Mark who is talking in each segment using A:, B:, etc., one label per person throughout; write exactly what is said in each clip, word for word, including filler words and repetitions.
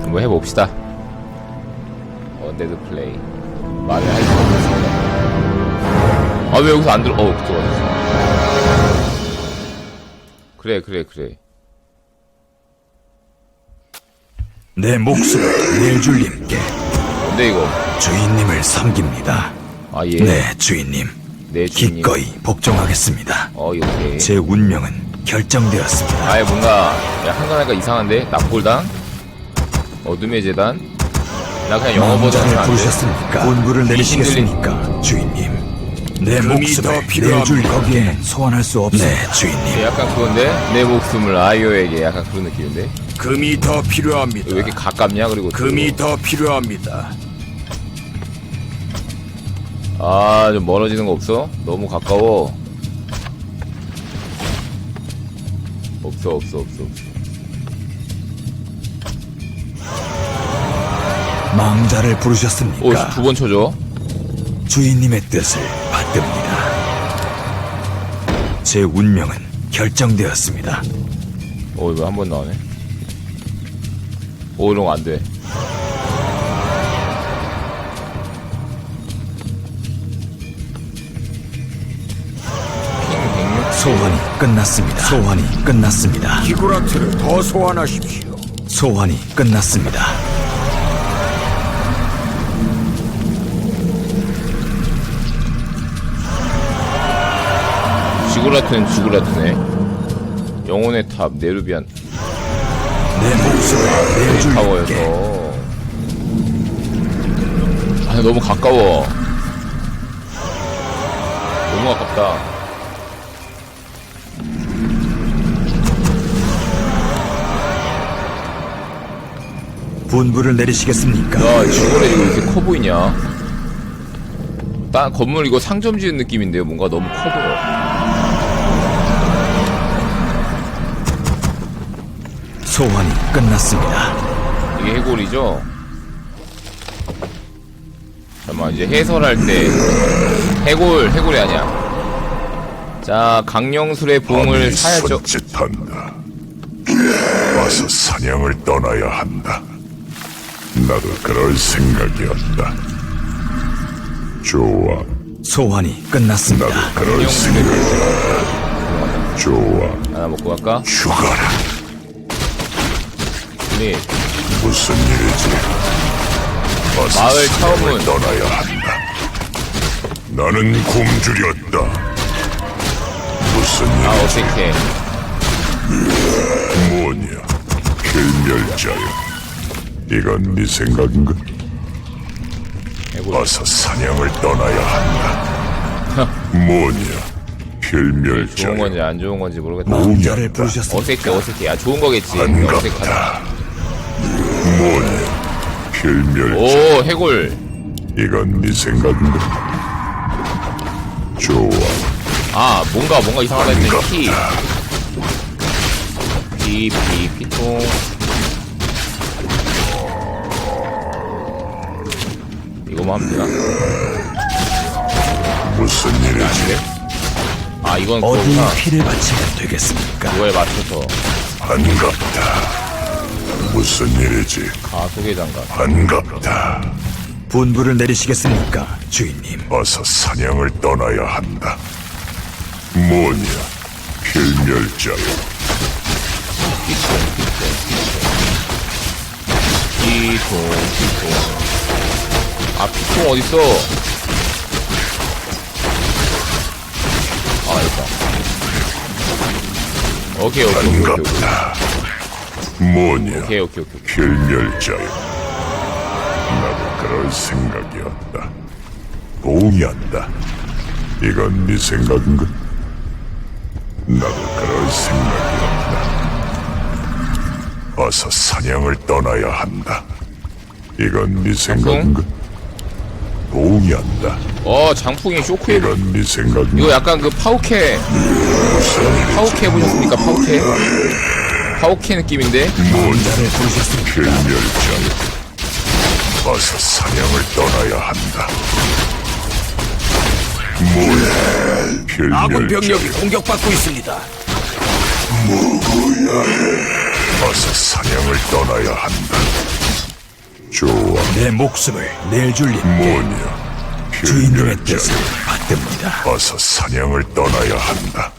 A: 한번 해봅시다. 언데드 플레이. 말을 할 수가 없습니다. 아, 왜 여기서 안 들어? 어, 들어갔어. 그래, 그래, 그래.
B: 내 목숨을 내줄님께
A: 뭔데, 이거?
B: 주인님을 섬깁니다.
A: 아, 예.
B: 네, 주인님.
A: 네, 주인님.
B: 기꺼이 복종하겠습니다.
A: 어, 이렇게.
B: 제 운명은 결정되었습니다.
A: 아예 뭔가, 야, 한가니까 이상한데? 납골당? 어둠의 재단? 나 그냥 영어 버전 하면
B: 망자를
A: 안 돼?
B: 부르셨습니까? 본부를 내리시겠습니까, 주인님? 내
C: 금이
B: 목숨을
C: 더 필요합니다.
B: 내줄 거기엔 소환할 수 없습니다. 네, 주인님.
A: 약간 그건데? 내 목숨을 아이오에게 약간 그런 느낌인데?
C: 금이 더 필요합니다.
A: 왜 이렇게 가깝냐? 그리고
C: 금이 더 필요합니다.
A: 아, 좀 멀어지는 거 없어? 너무 가까워. 없어, 없어, 없어, 없어.
B: 망자를
A: 오,
B: 부르셨습니까?
A: 두 번 쳐줘.
B: 주인님의 뜻을 받듭니다. 제 운명은 결정되었습니다.
A: 오, 이거 한 번 나오네. 오, 이런 거 안 돼.
B: 소환이 끝났습니다. 소환이 끝났습니다.
C: 기구라트를 더 소환하십시오.
B: 소환이 끝났습니다.
A: 지구라트는 지구라트네. 영혼의 탑, 네르비안
B: 내 목숨을 내줄
A: 타워여서. 아, 너무 가까워. 너무 가깝다.
B: 분부를 내리시겠습니까?
A: 야, 지구라 이거 왜 이렇게 커 보이냐? 딴 건물 이거 상점 지은 느낌인데요. 뭔가 너무 커 보여.
B: 소환이 끝났습니다.
A: 이게 해골이죠? 잠깐만, 이제 해설할 때 해골, 해골이 아니야. 자, 강령술의 봉을 사야죠.
D: 손짓한다. 와서 사냥을 떠나야 한다. 나도 그럴 생각이었다. 좋아,
B: 소환이 끝났습니다.
D: 나도 그럴 생각이었다. 좋아,
A: 하나 먹고 갈까?
D: 죽어라.
A: 네.
D: 무슨 일이지? 와서
A: 마을
D: 사냥을
A: 처음은.
D: 떠나야 한다. 나는 곰줄이었다. 무슨
A: 아,
D: 일이지?
A: 어색해.
D: 뭐냐? 필멸자여. 이건 네 생각인가?
A: 해골.
D: 어서 사냥을 떠나야 한다. 뭐냐?
A: 좋은
D: 필멸자여.
A: 건지 안 좋은 건지 모르겠다.
B: 망자를 부르셨습니까?
A: 어색해, 어색해. 아, 좋은 거겠지. 어색하다.
D: 반갑다. 뭐냐? 필멸자.
A: 오, 해골.
D: 이건 네 생각인가? 좋아.
A: 아, 뭔가, 뭔가 이상하다 했더니 피.
D: 반갑다.
A: 피, 피, 피통. 이거만 하면 되나?
D: 무슨 일이지?
A: 아, 이건
B: 어디
A: 그거구나.
B: 피를 바치면 되겠습니까?
A: 그거에 맞춰서.
D: 반갑다. 무슨 일이지?
A: 가속의 장갑.
D: 반갑다.
B: 분부를 내리시겠습니까, 주인님?
D: 어서 사냥을 떠나야 한다. 뭐냐? 필멸자여.
A: 피통, 피통. 아, 피통 어딨어? 아, 여기다. 오케이, 오케이, 오케이, 오케이, 오케이.
D: 반갑다. 뭐냐?
A: 오케이, 오케이, 오케이.
D: 필멸자여. 나도 그럴 생각이었다. 동의한다. 이건 네 생각인가? 나도 그럴 생각이었다. 어서 사냥을 떠나야 한다. 이건 네 생각인가? 동의한다.
A: 어, 장풍이 쇼크웨이브.
D: 이건 네 생각인가?
A: 이거 약간 그 파우케,
D: 무슨 일이지?
A: 파우케 해보셨습니까? 파우케? 파우케 느낌인데?
B: 망자를 부르셨습니까?
D: 필멸자여. 어서 사냥을 떠나야 한다. 뭐야?
C: 아군 병력이
D: 필멸자여.
C: 공격받고 있습니다.
D: 어서 사냥을 떠나야 한다. 좋아.
B: 내 목숨을 낼 줄님
D: 뭐냐?
B: 주인님의 뜻을
D: 필멸자여,
B: 받듭니다.
D: 어서 사냥을 떠나야 한다.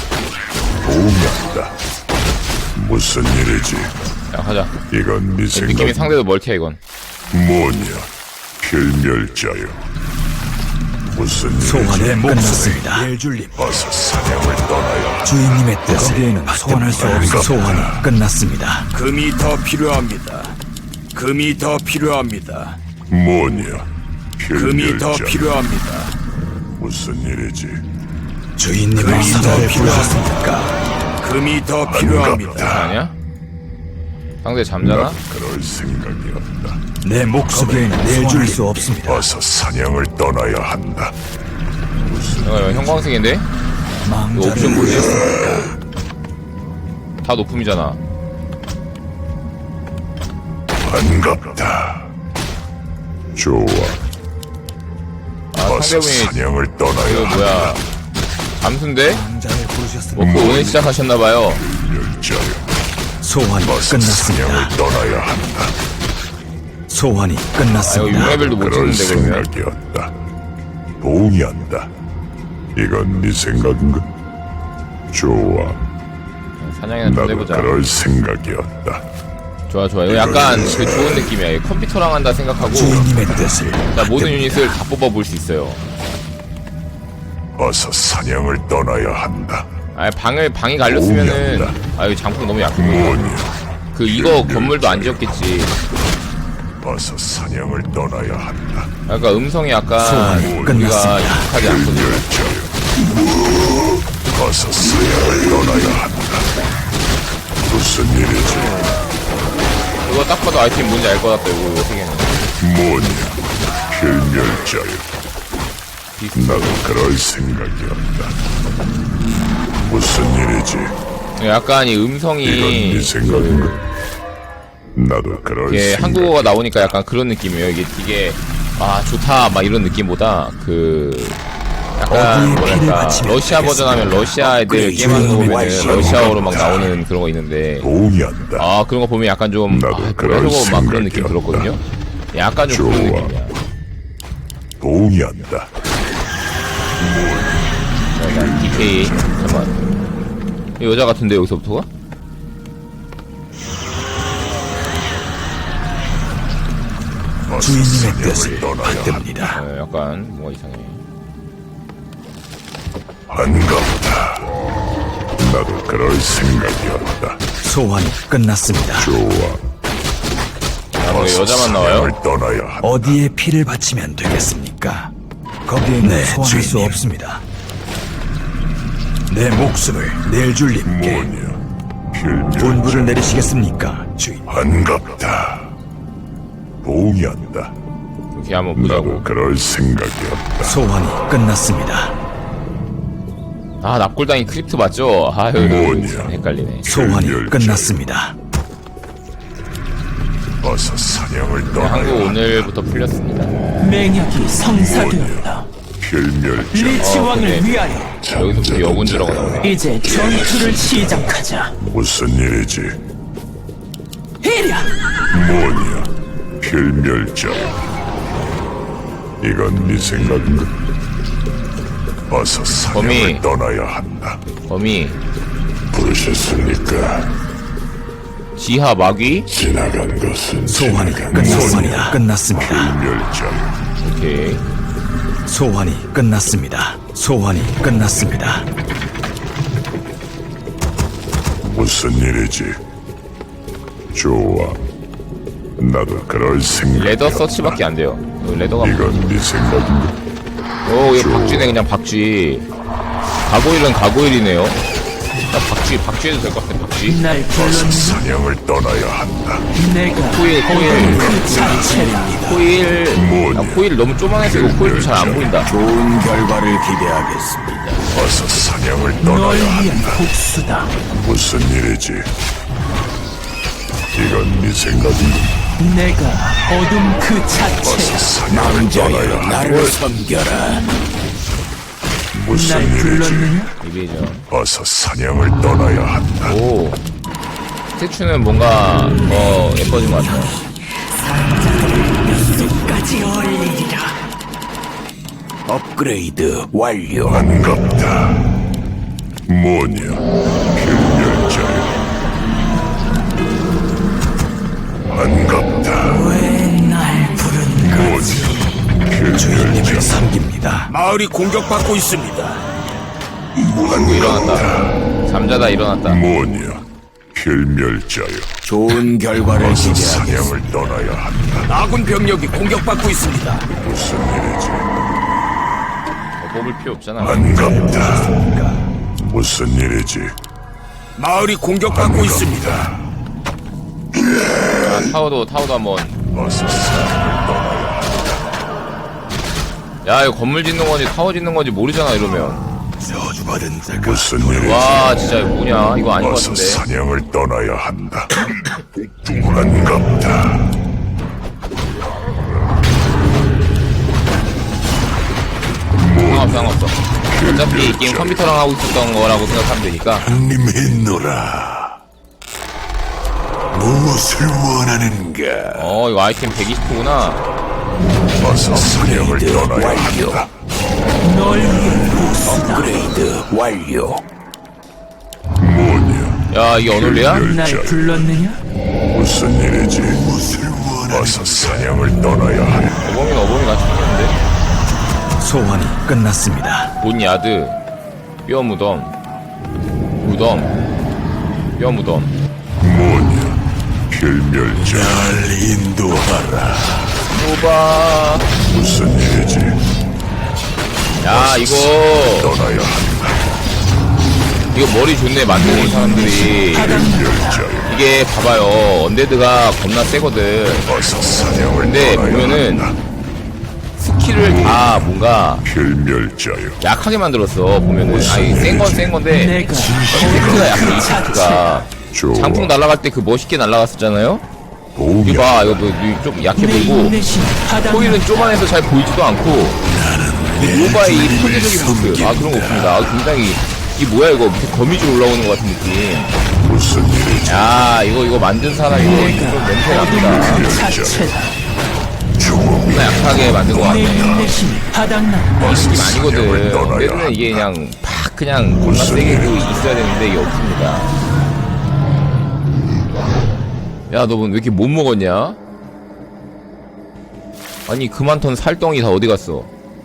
D: 도움한다. 무슨 일이지?
A: 야 가자.
D: 이건 네 생각.
A: 느낌이 상대도 멀티야 이건.
D: 뭐냐? 필멸자여. 무슨 일이지?
B: 소환의 끝났습니다. 낼 줄님
D: 어서 사냥을 떠나야 한다.
B: 주인님의 뜻을 소환할 수 없어 소환이 끝났습니다.
C: 금이 더 필요합니다. 금이 더 필요합니다.
D: 뭐냐?
C: 금이 더
D: 필멸자여.
C: 필요합니다.
D: 무슨 일이지?
B: 주인님의
C: 더
B: 사자를
C: 필요하십니까?
B: 부르셨습니까?
C: 금이 더 필요합니다.
A: 아니야? 상대 잠자나?
D: 나 그럴 생각이었다.
B: 내 목숨을 낼 줄 수 없습니다.
D: 어서 사냥을 떠나야 한다.
A: 이거 형광색인데? 이거
B: 망자를
A: 옵션 뭐지?
B: 부르셨습니까?
A: 다 높음이잖아.
D: 반갑다. 좋아.
A: 아
D: 어서
A: 상대분이
D: 사냥을
A: 이거
D: 떠나야 한다.
A: 뭐야? 잠수인데?
B: 망자를 부르셨습니까?
A: 먹고 오늘 시작하셨나봐요.
D: 필멸자여.
B: 소환이
D: 어서
B: 끝났습니다.
D: 사냥을 떠나야 한다.
B: 소환이
A: 아 이거
B: 끝났습니다.
A: 육 레벨도 못
D: 그럴
A: 찍는데 그러면?
D: 생각이었다. 동의한다. 이건 네 생각인가? 좋아.
A: 사냥이나 좀
D: 나도
A: 해보자.
D: 그럴 생각이었다.
A: 좋아 좋아. 이거 약간 그 좋은 느낌이야. 이거 컴퓨터랑 한다 생각하고
B: 주인님의 뜻을
A: 자, 모든 유닛을 다 뽑아볼 수 있어요.
D: 어서 사냥을 떠나야 한다.
A: 아 방을 방이 갈렸으면은
D: 오우야.
A: 아 이거 장풍 너무 약고
D: 뭐냐?
A: 그 이거 건물도 안 지었겠지.
D: 어서 사냥을 떠나야 한다.
A: 그러니까 음성이 약간
B: 소환이
A: 우리가
B: 끝났습니다.
A: 익숙하지 않거든요.
D: 필멸자여. 어서 사냥을 떠나야 한다. 무슨 일이지?
A: 이거 딱 봐도 아이템 뭔지 알 것 같다. 이거 이거 세 개는.
D: 뭐냐? 필멸자여. 나도 그럴 생각이었다. 무슨 일이지?
A: 약간 이
D: 이건
A: 음성이
D: 네 생각인가? 나도 그럴
A: 이게
D: 생각.
A: 한국어가 나오니까 약간 그런 느낌이에요. 이게 이게 아 좋다 막 이런 느낌보다 그 약간
B: 어디에 피를
A: 뭐랄까
B: 바치면
A: 러시아 버전 하면 러시아 애들
B: 업그레이드
A: 게임하는 거 보면
B: 완성.
A: 러시아어로 막 나오는 그런 거 있는데
D: 동의한다.
A: 아 그런 거 보면 약간 좀
D: 나도
A: 아,
D: 그럴
A: 뭐야 저거 막 그런 느낌
D: 생각이었다.
A: 들었거든요. 약간 좀 그런
D: 좋아.
A: 느낌이야.
D: 동의한다.
A: 약간 디케이 잠깐 이 여자 같은데 여기서부터가?
D: 어서
B: 주인님의
D: 사냥을
B: 뜻을
D: 떠나야 한다.
B: 받듭니다.
A: 어, 약간 뭐가 이상해.
D: 반갑다. 나도 그럴 생각이었다.
B: 소환이 끝났습니다.
D: 좋아.
A: 아, 뭐
D: 어서
A: 여자만 나와요?
D: 사냥을 떠나야 한다.
B: 어디에 피를 바치면 되겠습니까? 거기에는
A: 네,
B: 소환할 수
D: 주인님.
B: 없습니다. 내 목숨을 낼 줄님께
D: 뭐냐? 필멸자.
B: 분부를 내리시겠습니까, 주인?
D: 반갑다. 동의한다.
A: 이렇게 한번 보자고.
D: 나도 그럴 생각이었다.
B: 소환이 끝났습니다.
A: 아 납골당이 크립트 맞죠? 아유
D: 뭐냐?
A: 참 헷갈리네.
B: 소환이
D: 필멸자.
B: 끝났습니다.
D: 어서 사냥을
A: 네,
D: 떠나야
A: 한국
D: 한다.
A: 오늘부터 풀렸습니다.
E: 맹약이 성사되었다.
D: 필멸자.
E: 리치
A: 어,
E: 왕을
A: 근데
E: 위하여
A: 여기서부터 여군 들어가 나오네.
E: 이제 전투를 시작하자.
D: 무슨 일이지?
E: 이랴!
D: 뭐냐? 필멸자. 이건 네 생각인가? 어서 사냥을
A: 범이.
D: 떠나야 한다.
A: 범위
D: 부르셨습니까?
A: 지하 마귀
D: 지나간 것은
B: 소환이
D: 지나간
B: 끝 소환이
D: 것이다.
B: 끝났습니다.
D: 필멸자.
A: 오케이.
B: 소환이 끝났습니다. 소환이 끝났습니다.
D: 무슨 일이지? 좋아. 나도 그럴 생각.
A: 레더 서치밖에 안 돼요. 여기 레더가 뭐-
D: 이건 네 생각인가?
A: 오 이거 박쥐네 그냥 박쥐. 가고일은 가고일이네요. 나 박쥐 박쥐 해도 될 것 같아 박쥐.
E: 날
D: 어서
E: 불렀는
D: 사냥을 떠나야 한다.
E: 내가
A: 코일 코일
E: 그 자체입니다.
A: 코일
D: 뭐냐?
A: 아, 코일 너무 쪼만해서 이거 코일도 잘 안 보인다.
C: 좋은 결과를 기대하겠습니다.
D: 어서 사냥을
E: 널
D: 떠나야
E: 위한
D: 한다.
E: 복수다.
D: 무슨 일이지? 이건 네 생각인가?
E: 내가 어둠 그
D: 어서
E: 자체.
D: 사냥을 떠나야 한다.
C: 나를 섬겨라.
D: 무슨
E: 날
D: 일이지?
E: 불렀느냐?
A: 이베이전.
D: 어서 사냥을 떠나야 한다.
A: 오. 스태츄는 뭔가 더 예뻐진 것 같아요.
E: 끝까지 올리리라.
C: 업그레이드 완료.
D: 반갑다. 뭐냐, 필멸자여. 반갑다.
E: 왜 날 부른
D: 뭐냐,
B: 주인님을
D: 필멸자.
B: 섬깁니다.
C: 마을이 공격받고 있습니다.
A: 일어났다. 잠자다 일어났다.
D: 뭐냐, 필멸자여.
C: 좋은 결과를
D: 어서
C: 기대하겠습니다.
D: 사냥을 떠나야 한다.
C: 아군 병력이 공격받고 있습니다.
D: 무슨 일이지?
A: 어, 뽑을 필요 없잖아.
D: 반갑다. 무슨 일이지?
C: 마을이 공격받고 있습니다.
A: 아, 타워도 타워도 한번.
D: 어서 사냥을 떠나야
A: 야 이거 건물 짓는 건지 타워 짓는 건지 모르잖아 이러면.
B: 저주받은 자가
D: 무슨 일이지?
A: 와 진짜 이거 뭐냐 이거 아닌 것
D: 어서
A: 같은데.
D: 사냥을 떠나야 한다. 반갑다.
A: 상관없어 상관없어. 어차피 이 게임 컴퓨터랑 하고 있었던 거라고 생각하면 되니까.
D: 님했노라. 무엇을 원하는가?
A: 어 이거 아이템 백이십 호구나.
D: 어서 사냥을 떠나야 한다.
E: 널 위해 복수다.
C: 업그레이드 완료.
D: 뭐냐?
A: 야 이게 어놀리야?
E: 날 불렀느냐?
D: 무슨 일이지? 무엇을 원하는가? 어서 사냥을 떠나야 한다.
A: 어범이는 어범이 같이 생겼는데.
B: 소환이 끝났습니다.
A: 본야드 뼈 무덤 무덤 뼈 무덤.
D: 뭐냐? 필멸자. 날 인도하라.
A: 오바.
D: 무슨 일이지?
A: 야 이거
D: 떠나야 한다.
A: 이거 머리 좋네 만드는 사람들이.
D: 필멸자여.
A: 이게 봐봐요 언데드가 겁나 세거든.
D: 어서 사냥을
A: 근데
D: 떠나야
A: 보면은
D: 한다.
A: 스킬을 다 뭔가
D: 필멸자여.
A: 약하게 만들었어 보면은. 아니 센 건 센 건데
E: 내가
A: 이펙트가 약간 이펙트가
D: 좋아.
A: 장풍 날아갈 때 그 멋있게 날아갔었잖아요.
D: 보면
A: 이거 봐 이거 뭐 좀 약해
E: 내
A: 보이고
E: 인내심이 바닥났다.
A: 코일은 좁아내서 잘 보이지도 않고 이 노바의 이 포대적인 모습 아 그런 거 없습니다. 아, 굉장히 이 뭐야 이거 밑에 거미줄 올라오는 것 같은 느낌.
D: 무슨 일이지?
A: 야 이거 이거 만든 사람이 좀 냄새 납니다.
E: 그 자체다.
D: 죽음이
A: 겁나 약하게 만든 것
E: 내
A: 같네.
E: 인내심이 바닥났다.
A: 이 느낌 아니거든.
D: 사냥을 떠나야
A: 언데드는 이게
D: 한다.
A: 그냥 팍 그냥 겁나
D: 무슨
A: 세게 그
D: 일이지?
A: 있어야 되는데 이게 없습니다. 야 너 왜 이렇게 못 먹었냐? 아니 그만턴 살덩이 다 어디 갔어?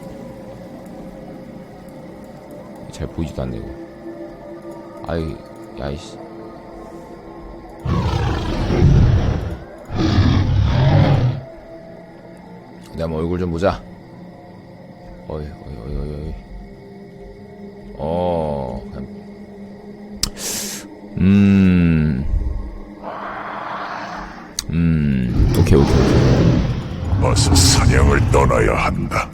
A: 잘 보이지도 않네 이거. 아이 야이씨. 내 한번 얼굴 좀 보자. 어이 어이 어이 어이 어이. 어. 그냥- 음. 음. 오케이 오케이 오케이.
D: 어서 사냥을 떠나야 한다.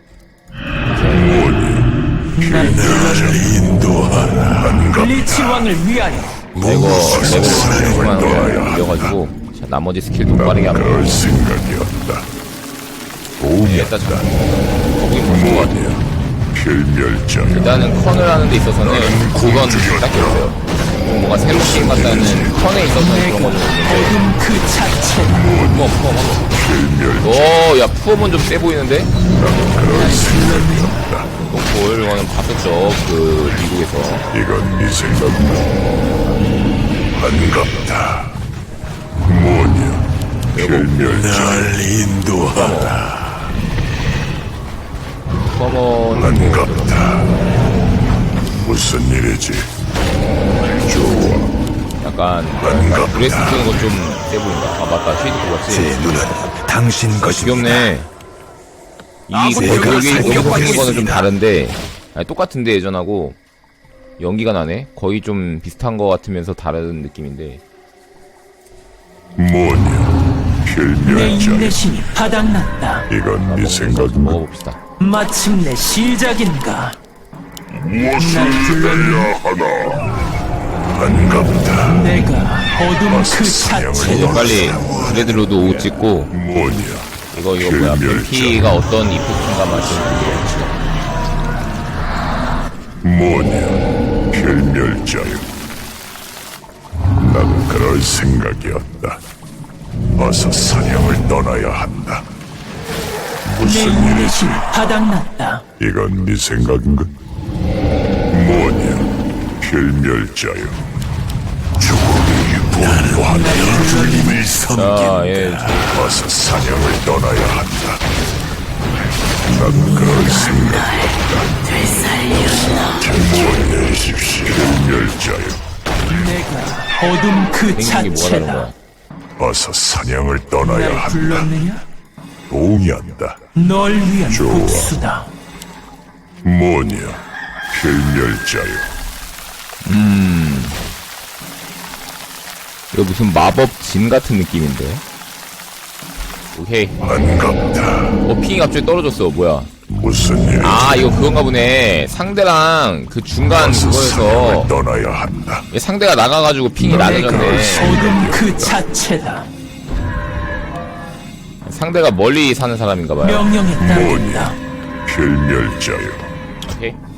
E: 날 불렀느냐?
D: 인도하라.
E: 블리치 왕을 위하여.
A: 이거 레벨 삼십만 원 올려가지고 자, 나머지 스킬도 빠르게 하면
D: 그럴 생각이었다.
A: 되겠다 참. 거북이 볼것 같아요.
D: 필멸자.
A: 일단은 컨을 하는 데 있어서는 그건 딱히 없어요. 좀 뭔가 새로운 게임 같다는 컨에 있어서는 그런 거좀 있는데
E: 어둠 그 자체다.
A: 푸엄 푸엄 한번.
D: 필멸자.
A: 어야 푸엄은 좀 세 보이는데?
D: 그럴 생각이었다.
A: 볼 이거는 봤었죠 그 미국에서.
D: 이건 네 생각이다. 반갑다. 뭐냐? 필멸자. 날 인도하라.
A: 푸엄은
D: 반갑다. 무슨 일이지? 좋아.
A: 약간
D: 반갑다.
A: 브레스 쓰는 건 좀 세 보인다. 아 맞다 쉐이드 뽑았지.
B: 제 눈은 당신 것입니다.
A: 귀엽네. 이
C: 아군
A: 여기
C: 병력이
A: 여기
C: 공격받고
A: 생긴 거는 좀
C: 있습니다.
A: 다른데 아니, 똑같은데 예전하고 연기가 나네. 거의 좀 비슷한 거 같으면서 다른 느낌인데.
D: 뭐냐?
E: 내
D: 필멸자.
E: 인내심이 바닥났다.
D: 이건 네 생각이다.
A: 먹어봅시다.
E: 마침내 시작인가?
D: 무엇을
E: 날 불렀느냐?
D: 해야 하나? 반갑다.
E: 내가 어둠 그
A: 이제
E: 자체다.
A: 빨리 브레드로드 오 찍고
D: 뭐냐?
A: 이거 이거 뭐야
D: 필멸자.
A: 벤티가 어떤 이펙트인가 말씀드리겠습니다.
D: 뭐냐? 필멸자여. 난 그럴 생각이었다. 어서 사냥을 떠나야 한다.
E: 내
D: 무슨
E: 인내심이 바닥났다.
D: 이건 네 생각인가? 뭐냐, 필멸자여. 죽음이 분노하며 주님을
A: 자, 예.
D: 어서 사냥을 떠나야 한다. 난 그럴 생각 없다. 모내십시오. 필멸자여.
E: 내가 어둠 그
A: 생긴 게 뭐라는
E: 자체다.
A: 거야?
D: 어서 사냥을 떠나야
E: 날
D: 한다.
E: 불렀느냐?
D: 동의한다.
E: 널 위한
D: 좋아.
E: 복수다.
D: 뭐냐, 필멸자여.
A: 이거 무슨 마법 진 같은 느낌인데. 오케이.
D: 반갑다.
A: 어, 핑이 갑자기 떨어졌어. 뭐야?
D: 무슨 일?
A: 아, 이거 그건가 보네. 상대랑 그 중간
D: 어서
A: 그거에서
D: 사냥을 떠나야 한다.
A: 얘 상대가 나가가지고 핑이 낮아졌네.
E: 어둠 그 자체다.
A: 상대가 멀리 사는 사람인가 봐요.
E: 명령에 따른다.
D: 뭐냐, 필멸자여.
A: 오케이.